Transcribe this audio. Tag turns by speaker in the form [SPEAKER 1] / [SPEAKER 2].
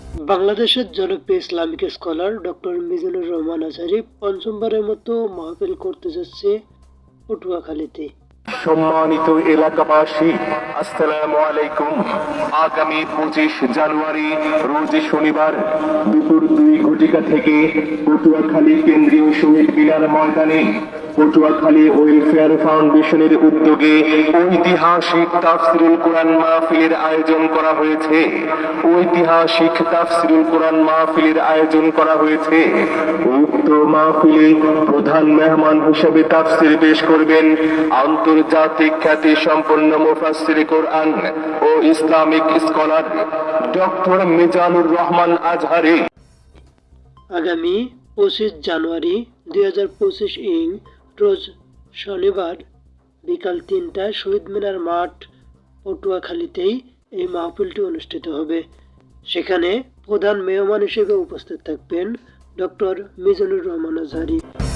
[SPEAKER 1] বাংলাদেশের জনপ্রিয় Islamic scholar doctor Mizanur Rahman Azhari পঞ্চমবারের মতো মাহফিল করতে যাচ্ছে পটুয়াখালীতে।
[SPEAKER 2] সম্মানিত এলাকাবাসী, আসসালামু আলাইকুম। আগামী 25 জানুয়ারি রোজ শনিবার দুপুর 2 থেকে পটুয়াখালী কেন্দ্রীয় শহীদ মিনার ময়দানে পটুয়াখালী ওয়েলফেয়ার ফাউন্ডেশনের উদ্যোগে ঐতিহাসিক তাফসিরুল কোরআন মাহফিলের আয়োজন করা হয়েছে। ঐতিহাসিক তাফসিরুল কোরআন মাহফিলের আয়োজন করা হয়েছে। উক্ত মাহফিলে প্রধান মেহমান হিসেবে তাফসির পেশ করবেন আন্তর্জাতিক খ্যাতি সম্পন্ন মুফাসসির কোরআন ও Islamic scholar doctor Mizanur Rahman Azhari.
[SPEAKER 1] আগামী 25 জানুয়ারি 2025 ইং রোজ শনিবার বিকাল 3টায় শহীদ মিনার মাঠ পটুয়াখালীতেই এই মাহফিলটি অনুষ্ঠিত হবে। সেখানে প্রধান মেহমান হিসেবে উপস্থিত থাকবেন ডক্টর মিজানুর রহমান আজহারী।